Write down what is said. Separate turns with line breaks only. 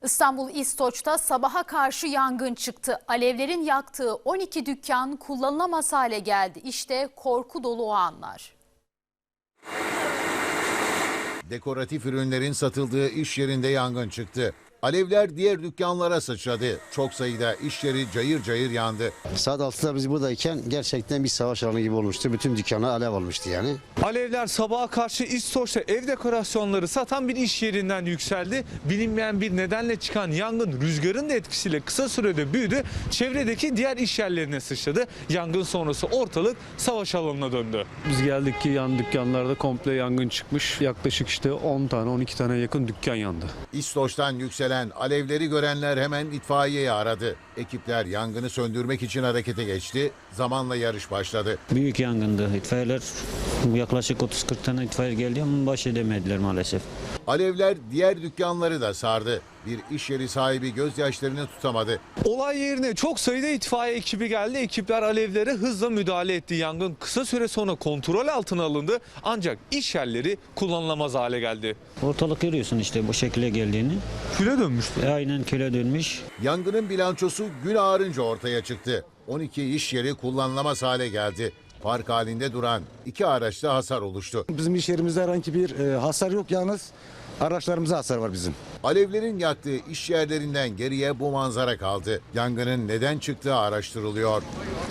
İstanbul İstoç'ta sabaha karşı yangın çıktı. Alevlerin yaktığı 12 dükkan kullanılamaz hale geldi. İşte korku dolu o anlar.
Dekoratif ürünlerin satıldığı iş yerinde yangın çıktı. Alevler diğer dükkanlara sıçradı. Çok sayıda iş yeri cayır cayır yandı.
Saat 6'da biz buradayken gerçekten bir savaş alanı gibi olmuştu. Bütün dükkana alev almıştı yani.
Alevler sabaha karşı İstoç'ta ev dekorasyonları satan bir iş yerinden yükseldi. Bilinmeyen bir nedenle çıkan yangın rüzgarın da etkisiyle kısa sürede büyüdü. Çevredeki diğer iş yerlerine sıçradı. Yangın sonrası ortalık savaş alanına döndü.
Biz geldik ki yan dükkanlarda komple yangın çıkmış. Yaklaşık işte 10 tane 12 tane yakın dükkan yandı.
İstoç'tan yükselen alevleri görenler hemen itfaiyeyi aradı. Ekipler yangını söndürmek için harekete geçti. Zamanla yarış başladı.
Büyük yangındı. İtfaiyeler yaklaşık 30-40 tane itfaiye geldi ama baş edemediler maalesef.
Alevler diğer dükkanları da sardı. Bir iş yeri sahibi gözyaşlarını tutamadı.
Olay yerine çok sayıda itfaiye ekibi geldi. Ekipler alevlere hızla müdahale etti. Yangın kısa süre sonra kontrol altına alındı. Ancak iş yerleri kullanılamaz hale geldi.
Ortalık görüyorsun işte bu şekilde geldiğini.
Küle dönmüştü.
Aynen köle dönmüş.
Yangının bilançosu gün ağarınca ortaya çıktı. 12 iş yeri kullanılamaz hale geldi. Park halinde duran 2 araçta hasar oluştu.
Bizim iş yerimizde herhangi bir hasar yok, yalnız araçlarımıza hasar var bizim.
Alevlerin yaktığı iş yerlerinden geriye bu manzara kaldı. Yangının neden çıktığı araştırılıyor.